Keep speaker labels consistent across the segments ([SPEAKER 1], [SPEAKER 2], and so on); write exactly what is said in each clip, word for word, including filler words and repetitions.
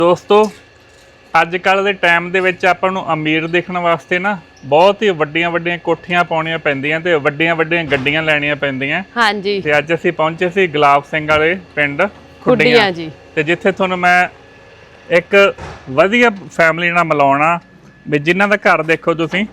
[SPEAKER 1] ਦੋਸਤੋ ਅੱਜ ਕੱਲ੍ਹ ਦੇ ਟਾਈਮ ਦੇ ਵਿੱਚ ਆਪਾਂ ਨੂੰ ਅਮੀਰ ਦਿਖਣ ਵਾਸਤੇ ਨਾ ਬਹੁਤ ਹੀ ਵੱਡੀਆਂ ਵੱਡੀਆਂ ਕੋਠੀਆਂ ਪਾਉਣੀਆਂ ਪੈਂਦੀਆਂ ਤੇ ਵੱਡੀਆਂ ਵੱਡੀਆਂ ਗੱਡੀਆਂ ਲੈਣੀਆਂ ਪੈਂਦੀਆਂ।
[SPEAKER 2] ਹਾਂਜੀ
[SPEAKER 1] ਤੇ ਅੱਜ ਅਸੀਂ ਪਹੁੰਚੇ ਸੀ ਗੁਲਾਬ ਸਿੰਘ ਵਾਲੇ ਪਿੰਡ
[SPEAKER 2] ਖੁੱਡੀਆਂ ਜੀ, ਤੇ
[SPEAKER 1] ਜਿੱਥੇ ਤੁਹਾਨੂੰ ਮੈਂ ਇੱਕ ਵਧੀਆ ਫੈਮਿਲੀ ਨਾਲ ਮਿਲਾਉਣਾ ਵੀ ਜਿਨ੍ਹਾਂ ਦਾ ਘਰ ਦੇਖੋ ਤੁਸੀਂ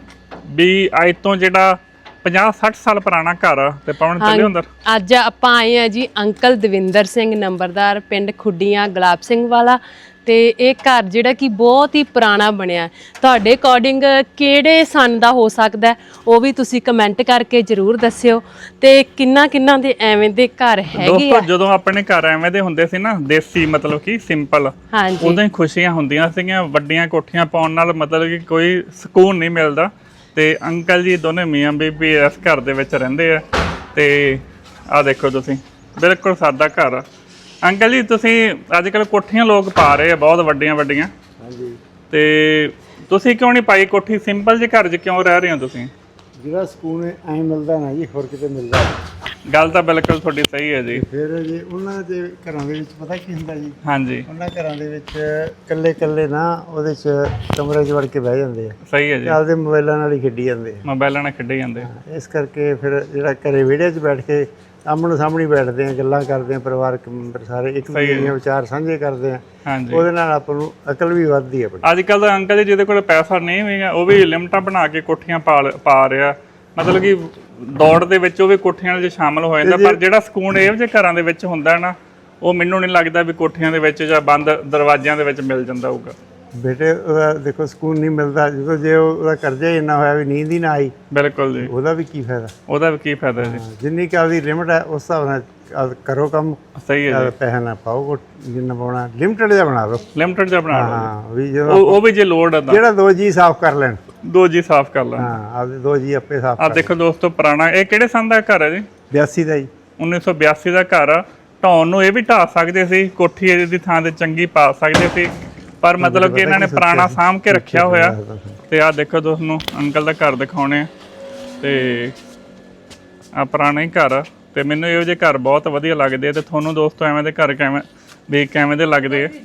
[SPEAKER 1] ਵੀ ਅੱਜ ਤੋਂ ਜਿਹੜਾ ਪੰਜਾਹ ਸੱਠ ਸਾਲ ਪੁਰਾਣਾ ਘਰ ਆ ਤੇ ਪਾਉਣ ਚੱਲੇ ਅੰਦਰ।
[SPEAKER 2] ਅੱਜ ਆਪਾਂ ਆਏ ਆ ਜੀ ਅੰਕਲ ਦਵਿੰਦਰ ਸਿੰਘ ਨੰਬਰਦਾਰ ਪਿੰਡ ਖੁੱਡੀਆਂ ਗੁਲਾਬ ਸਿੰਘ ਵਾਲਾ। ਤੇ ਇਹ ਘਰ ਜਿਹੜਾ ਕਿ ਬਹੁਤ ਹੀ ਪੁਰਾਣਾ ਬਣਿਆ, ਤੁਹਾਡੇ ਅਕੋਰਡਿੰਗ ਕਿਹੜੇ ਸਨ ਦਾ ਹੋ ਸਕਦਾ ਉਹ ਵੀ ਤੁਸੀਂ ਕਮੈਂਟ ਕਰਕੇ ਜ਼ਰੂਰ ਦੱਸਿਓ। ਤੇ ਕਿੰਨਾ ਕਿੰਨਾ ਦੇ ਐਵੇਂ ਦੇ ਘਰ ਹੈਗੇ ਆ।
[SPEAKER 1] ਦੋਸਤੋ ਜਦੋਂ ਆਪਣੇ ਘਰ ਐਵੇਂ ਦੇ ਹੁੰਦੇ ਸੀ ਨਾ ਦੇਸੀ ਮਤਲਬ ਕਿ ਸਿੰਪਲ, ਉਦੋਂ ਹੀ ਖੁਸ਼ੀਆਂ ਹੁੰਦੀਆਂ ਸੀਗੀਆਂ। ਵੱਡੀਆਂ ਕੋਠੀਆਂ ਪਾਉਣ ਨਾਲ ਮਤਲਬ ਕਿ ਕੋਈ ਸਕੂਨ ਨਹੀਂ ਮਿਲਦਾ। ਤੇ ਅੰਕਲ ਜੀ ਦੋਨੇ ਮੀਆਂ ਬੀਬੀ ਇਸ ਘਰ ਦੇ ਵਿੱਚ ਰਹਿੰਦੇ ਆ। ਤੇ ਆਹ ਦੇਖੋ ਤੁਸੀਂ ਬਿਲਕੁਲ ਸਾਦਾ ਘਰ ਆ। ਅੰਕਲ ਜੀ ਤੁਸੀਂ ਅੱਜ ਕੱਲ੍ਹ ਕੋਠੀਆਂ ਲੋਕ ਪਾ ਰਹੇ ਆ ਬਹੁਤ ਵੱਡੀਆਂ ਵੱਡੀਆਂ।
[SPEAKER 3] ਹਾਂਜੀ,
[SPEAKER 1] ਤੇ ਤੁਸੀਂ ਕਿਉਂ ਨਹੀਂ ਪਾਈ ਕੋਠੀ? ਸਿੰਪਲ ਜਿਹੇ ਘਰ 'ਚ ਕਿਉਂ ਰਹਿ ਰਹੇ ਹੋ ਤੁਸੀਂ?
[SPEAKER 3] ਜਿਹੜਾ ਸਕੂਨ ਐਂ ਮਿਲਦਾ ਨਾ ਜੀ ਹੋਰ ਕਿਤੇ ਮਿਲਦਾ।
[SPEAKER 1] ਗੱਲ ਤਾਂ ਬਿਲਕੁਲ ਤੁਹਾਡੀ ਸਹੀ ਹੈ ਜੀ।
[SPEAKER 3] ਫਿਰ ਜੀ ਉਹਨਾਂ ਦੇ ਘਰਾਂ ਦੇ ਵਿੱਚ ਪਤਾ ਕੀ ਹੁੰਦਾ ਜੀ,
[SPEAKER 1] ਹਾਂਜੀ
[SPEAKER 3] ਉਹਨਾਂ ਘਰਾਂ ਦੇ ਵਿੱਚ ਇਕੱਲੇ ਇਕੱਲੇ ਨਾ ਉਹਦੇ 'ਚ ਕਮਰੇ 'ਚ ਵੜ ਕੇ ਬਹਿ ਜਾਂਦੇ ਆ,
[SPEAKER 1] ਸਹੀ ਹੈ ਜੀ,
[SPEAKER 3] ਆਪਦੇ ਮੋਬਾਈਲਾਂ ਨਾਲ ਹੀ ਖੇਡੀ ਜਾਂਦੇ ਆ।
[SPEAKER 1] ਮੋਬਾਈਲਾਂ ਨਾਲ ਖੇਡੇ ਜਾਂਦੇ।
[SPEAKER 3] ਇਸ ਕਰਕੇ ਫਿਰ ਜਿਹੜਾ ਘਰੇ ਵਿਹੜੇ 'ਚ ਬੈਠ ਕੇ ਆਮਣ ਸਾਹਮਣੇ ਬੈਠਦੇ ਆ, ਗੱਲਾਂ ਕਰਦੇ ਆ, ਪਰਿਵਾਰਕ ਮੈਂਬਰ ਸਾਰੇ ਇੱਕ ਦੂਜੇ ਦੇ ਵਿਚਾਰ ਸਾਂਝੇ ਕਰਦੇ ਆ।
[SPEAKER 1] ਹਾਂਜੀ,
[SPEAKER 3] ਉਹਦੇ ਨਾਲ ਆਪਾਂ ਨੂੰ ਅਕਲ ਵੀ ਵੱਧਦੀ ਆ।
[SPEAKER 1] ਅੱਜ ਕੱਲ੍ਹ ਦਾ ਅੰਕਲ ਜੀ ਜਿਹਦੇ ਕੋਲ ਪੈਸਾ ਨਹੀਂ ਹੋਏਗਾ ਉਹ ਵੀ ਲਿਮਟਾਂ ਬਣਾ ਕੇ ਕੋਠੀਆਂ ਪਾ ਪਾ ਰਿਹਾ, ਮਤਲਬ ਕਿ ਦੌੜ ਦੇ ਵਿੱਚ ਉਹ ਵੀ ਕੋਠੀਆਂ 'ਚ ਸ਼ਾਮਲ ਹੋ ਜਾਂਦਾ। ਪਰ ਜਿਹੜਾ ਸਕੂਨ ਇਹੋ ਜਿਹੇ ਘਰਾਂ ਦੇ ਵਿੱਚ ਹੁੰਦਾ ਨਾ ਉਹ ਮੈਨੂੰ ਨਹੀਂ ਲੱਗਦਾ ਵੀ ਕੋਠੀਆਂ ਦੇ ਵਿੱਚ ਜਾਂ ਬੰਦ ਦਰਵਾਜ਼ਿਆਂ ਦੇ ਵਿੱਚ ਮਿਲ ਜਾਂਦਾ ਹੋਊਗਾ।
[SPEAKER 3] ਬੇਟੇ ਉਹਦਾ ਦੇਖੋ ਸਕੂਨ ਨਹੀਂ ਮਿਲਦਾ ਜਦੋਂ ਜੇ ਉਹਦਾ ਕਰਜ਼ਾ ਹੀ ਇੰਨਾ ਹੋਇਆ ਵੀ ਨੀਂਦ ਹੀ ਨਾ ਆਈ।
[SPEAKER 1] ਬਿਲਕੁਲ ਜੀ,
[SPEAKER 3] ਉਹਦਾ ਵੀ ਕੀ ਫਾਇਦਾ?
[SPEAKER 1] ਉਹਦਾ ਵੀ ਕੀ ਫਾਇਦਾ ਜੀ।
[SPEAKER 3] ਜਿੰਨੀ ਕੁ ਆਪਦੀ ਲਿਮਟ ਹੈ ਉਸ ਹਿਸਾਬ ਨਾਲ ਆਪ ਕਰੋ ਕੰਮ।
[SPEAKER 1] ਸਹੀ ਹੈ ਜੀ,
[SPEAKER 3] ਪੈਸਾ ਨਾ ਪਾਓ, ਜਿੰਨਾ ਪਾਉਣਾ ਲਿਮਟਡ ਜਿਹਾ ਬਣਾ ਲਓ।
[SPEAKER 1] ਲਿਮਟਡ ਜਿਹਾ ਬਣਾ ਲਓ।
[SPEAKER 3] ਹਾਂ ਵੀ ਜਦੋਂ
[SPEAKER 1] ਉਹ ਉਹ ਵੀ ਜੇ ਲੋੜ ਆ ਤਾਂ
[SPEAKER 3] ਜਿਹੜਾ ਦੋ ਜੀ ਸਾਫ਼ ਕਰ ਲੈਣ,
[SPEAKER 1] ਦੋ ਜੀ ਸਾਫ਼ ਕਰ ਲੈਣ।
[SPEAKER 3] ਹਾਂ ਆਪਦੇ ਦੋ ਜੀ ਆਪੇ ਸਾਫ਼
[SPEAKER 1] ਆ
[SPEAKER 3] ਕਰ।
[SPEAKER 1] ਦੇਖੋ ਦੋਸਤੋ ਪੁਰਾਣਾ ਇਹ ਕਿਹੜੇ ਸੰਨ ਦਾ ਘਰ ਹੈ ਜੀ?
[SPEAKER 3] ਬਿਆਸੀ ਦਾ ਜੀ,
[SPEAKER 1] ਉੱਨੀ ਸੌ ਬਿਆਸੀ ਦਾ ਘਰ ਆ। ਢਾਉਣ ਨੂੰ ਇਹ ਵੀ ਢਾਹ ਸਕਦੇ ਸੀ, ਕੋਠੀ ਇਹਦੀ ਥਾਂ ਤੇ ਚੰਗੀ ਪਾ ਸਕਦੇ ਸੀ, ਪਰ ਮਤਲਬ ਕਿ ਇਹਨਾਂ ਨੇ ਪੁਰਾਣਾ ਸਾਂਭ ਕੇ ਰੱਖਿਆ ਹੋਇਆ। ਤੇ ਆਹ ਦੇਖੋ ਤੁਹਾਨੂੰ ਅੰਕਲ ਦਾ ਘਰ ਦਿਖਾਉਣੇ ਆ। ਤੇ ਆ ਪੁਰਾਣਾ ਹੀ ਘਰ ਆ ਤੇ ਮੈਨੂੰ ਇਹੋ ਜਿਹੇ ਘਰ ਬਹੁਤ ਵਧੀਆ ਲੱਗਦੇ ਆ। ਤੇ ਤੁਹਾਨੂੰ ਦੋਸਤੋ ਐਵੇਂ ਦੇ ਘਰ ਕਿਵੇਂ ਵੀ ਕਿਵੇਂ ਦੇ ਲੱਗਦੇ ਆ?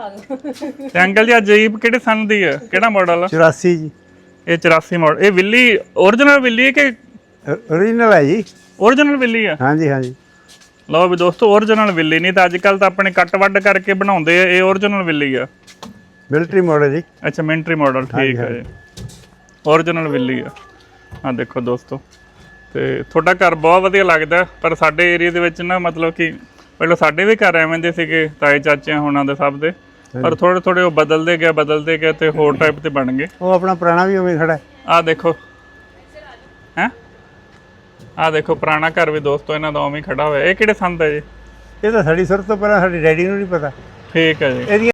[SPEAKER 1] ਤੇ ਅੰਕਲ ਜੀ ਆ ਜੀਪ ਕਿਹੜੇ ਸੰਨ ਦੀ ਆ, ਕਿਹੜਾ ਮਾਡਲ ਆ?
[SPEAKER 3] ਚੁਰਾਸੀ ਜੀ।
[SPEAKER 1] ਇਹ ਚੁਰਾਸੀ ਮਾਡਲ। ਇਹ ਵਿੱਲੀ ਓਰੀਜਨਲ ਵਿੱਲੀ ਹੈ ਕਿ
[SPEAKER 3] ਓਰੀਜਨਲ ਹੈ ਜੀ?
[SPEAKER 1] ਓਰੀਜਨਲ ਵਿੱਲੀ ਆ।
[SPEAKER 3] ਹਾਂਜੀ ਹਾਂਜੀ।
[SPEAKER 1] ਲਓ ਵੀ ਦੋਸਤੋ ਓਰੀਜਨਲ ਵਿੱਲੀ ਨਹੀਂ ਤਾਂ ਅੱਜ ਕੱਲ੍ਹ ਤਾਂ ਆਪਣੇ ਕੱਟ ਵੱਢ ਕਰਕੇ ਬਣਾਉਂਦੇ ਆ। ਇਹ ਓਰੀਜਨਲ ਵਿੱਲੀ ਆ।
[SPEAKER 3] ਮਿਲਟਰੀ ਮਾਡਲ ਜੀ।
[SPEAKER 1] ਅੱਛਾ ਮਿਲਟਰੀ ਮਾਡਲ, ਠੀਕ ਹੈ ਜੀ, ਓਰੀਜਨਲ ਵਿੱਲੀ ਆ। ਆ ਦੇਖੋ ਦੋਸਤੋ ਤੇ ਤੁਹਾਡਾ ਘਰ ਬਹੁਤ ਵਧੀਆ ਲੱਗਦਾ। ਪਰ ਸਾਡੇ ਏਰੀਆ ਦੇ ਵਿੱਚ ਨਾ ਮਤਲਬ ਕਿ ਪਹਿਲਾਂ ਸਾਡੇ ਵੀ ਘਰ ਐਵੇਂ ਦੇ ਸੀਗੇ ਤਾਏ ਚਾਚਿਆਂ ਹੋਣਾ ਦੇ ਸਭ ਦੇ, ਪਰ ਥੋੜੇ ਥੋੜੇ ਉਹ ਬਦਲਦੇ ਗਏ ਬਦਲਦੇ ਗਏ ਤੇ ਹੋਰ ਟਾਈਪ ਤੇ ਬਣ ਗਏ।
[SPEAKER 3] ਉਹ ਆਪਣਾ ਪੁਰਾਣਾ ਵੀ ਉਵੇਂ ਖੜਾ ਹੈ।
[SPEAKER 1] ਆਹ ਦੇਖੋ ਹੈਂ, ਆਹ ਦੇਖੋ ਪੁਰਾਣਾ ਘਰ ਵੀ ਦੋਸਤੋ ਇਹਨਾਂ ਦਾ ਉਵੇਂ ਖੜਾ ਹੋਇਆ। ਇਹ ਕਿਹੜੇ ਸੰਨ ਦਾ ਜੀ?
[SPEAKER 3] ਇਹ ਤਾਂ ਸਾਡੀ ਸੁਰਤ ਤੋਂ ਪਹਿਲਾਂ ਸਾਡੇ ਡੈਡੀ ਨੂੰ ਨਹੀਂ ਪਤਾ।
[SPEAKER 1] ਠੀਕ ਹੈ ਜੀ।
[SPEAKER 3] ਇਹਦੀਆਂ